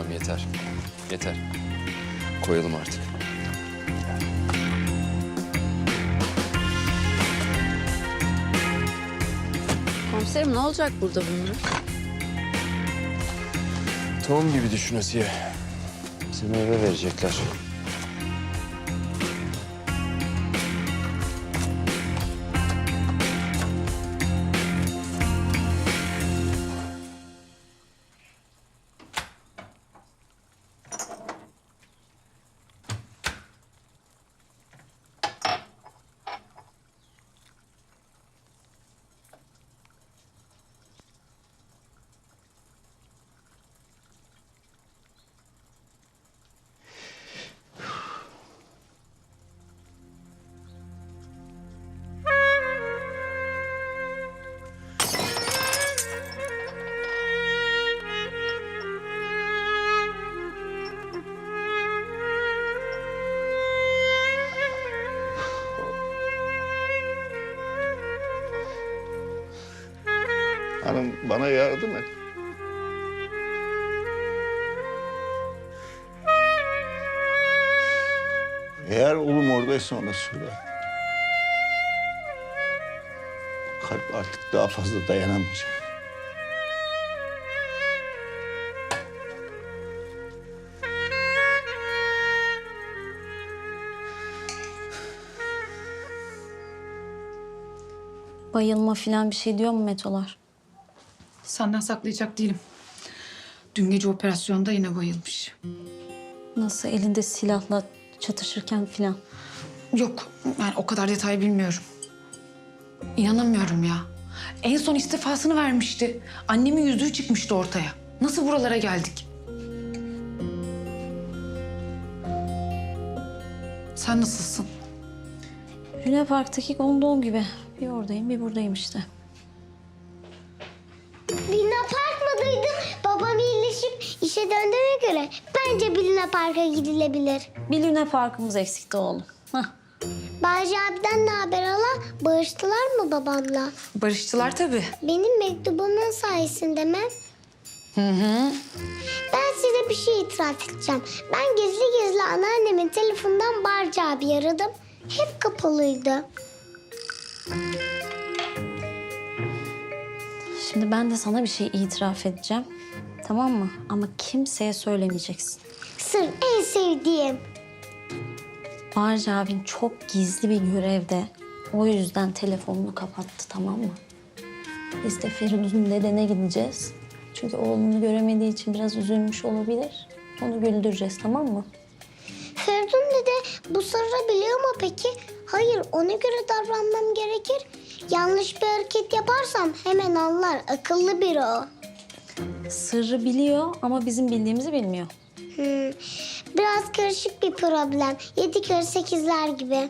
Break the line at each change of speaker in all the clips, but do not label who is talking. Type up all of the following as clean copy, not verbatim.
Tamam yeter. Yeter. Koyalım artık.
Komiserim ne olacak burada bunlar?
Tohum gibi düşün Asiye. Seni eve verecekler.
Hanım bana yardım et. Eğer oğlum oradaysa ona söyle. Kalp artık daha fazla dayanamayacak.
Bayılma falan bir şey diyor mu Metolar?
Senden saklayacak değilim. Dün gece operasyonda yine bayılmış.
Nasıl elinde silahla çatışırken falan?
Yok, yani o kadar detay bilmiyorum. İnanamıyorum ya. En son istifasını vermişti. Annemin yüzüğü çıkmıştı ortaya. Nasıl buralara geldik? Sen nasılsın?
Luna Park'taki gondol gibi. Bir oradayım, bir buradayım işte.
Luna Park mı duydun? Babam iyileşip işe döndüğüne göre bence bir Luna Park'a gidilebilir.
Bir Luna Park'ımız eksikti oğlum. Hah.
Bahçe abiden ne haber hala? Barıştılar mı babamla?
Barıştılar tabii.
Benim mektubumun sayesinde mi? Ben size bir şey itiraf edeceğim. Ben gizli gizli anneannemin telefonundan Barca abi aradım. Hep kapalıydı.
Şimdi ben de sana bir şey itiraf edeceğim. Tamam mı? Ama kimseye söylemeyeceksin.
Sır en sevdiğim.
Barca abin çok gizli bir görevde. O yüzden telefonunu kapattı, tamam mı? Biz de Feridun'un dedene gideceğiz. Çünkü oğlunu göremediği için biraz üzülmüş olabilir. Onu güldüreceğiz, tamam mı?
Feridun dede bu sırrı biliyor mu peki? Hayır, ona göre davranmam gerekir. Yanlış bir hareket yaparsam hemen anlar. Akıllı biri o.
Sırrı biliyor ama bizim bildiğimizi bilmiyor.
Biraz karışık bir problem. 7 kere 8'ler gibi.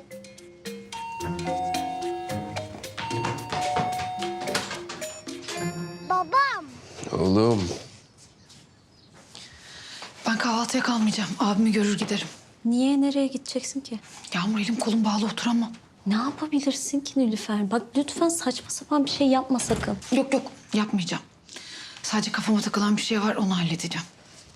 Babam.
Oğlum.
Ben kahvaltıya kalmayacağım. Abimi görür giderim.
Niye, nereye gideceksin ki?
Yağmur elim kolum bağlı oturamam.
Ne yapabilirsin ki Nilüfer? Bak lütfen saçma sapan bir şey yapma sakın.
Yok yok yapmayacağım. Sadece kafama takılan bir şey var onu halledeceğim.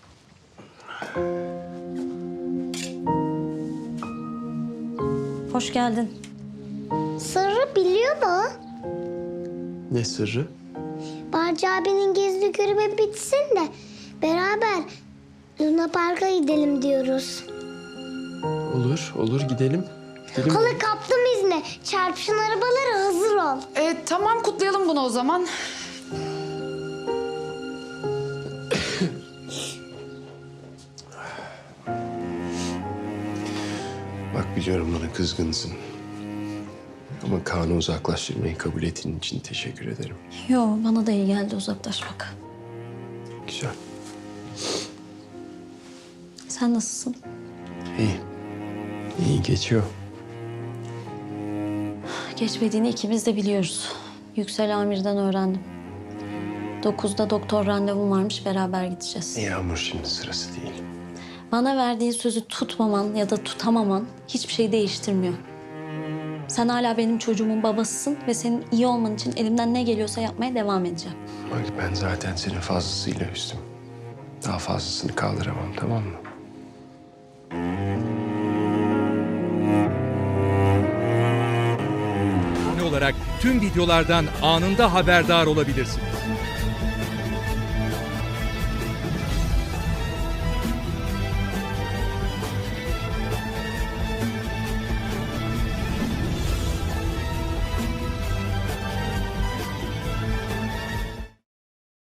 Hoş geldin.
Sırrı biliyor mu?
Ne sırrı?
Barca abinin gizli görevi bitsin de beraber Luna Park'a gidelim diyoruz.
Olur, olur gidelim. Gidelim.
Hala kaptım izni. Çarpışan arabalara hazır ol.
Tamam kutlayalım bunu o zaman.
Bak biliyorum bana kızgınsın. Ama Kaan'ı uzaklaştırmayı kabul ettiğin için teşekkür ederim.
Yo, bana da iyi geldi uzaklaşmak.
Güzel.
Sen nasılsın?
İyi. İyi geçiyor.
Geçmediğini ikimiz de biliyoruz. Yüksel Amir'den öğrendim. 9'da doktor randevum varmış, beraber gideceğiz.
Yağmur şimdi sırası değil.
Bana verdiğin sözü tutmaman ya da tutamaman hiçbir şey değiştirmiyor. Sen hala benim çocuğumun babasısın ve senin iyi olman için elimden ne geliyorsa yapmaya devam edeceğim.
Bak ben zaten senin fazlasıyla üstüm. Daha fazlasını kaldıramam, tamam mı?
Abone olarak tüm videolardan anında haberdar olabilirsiniz.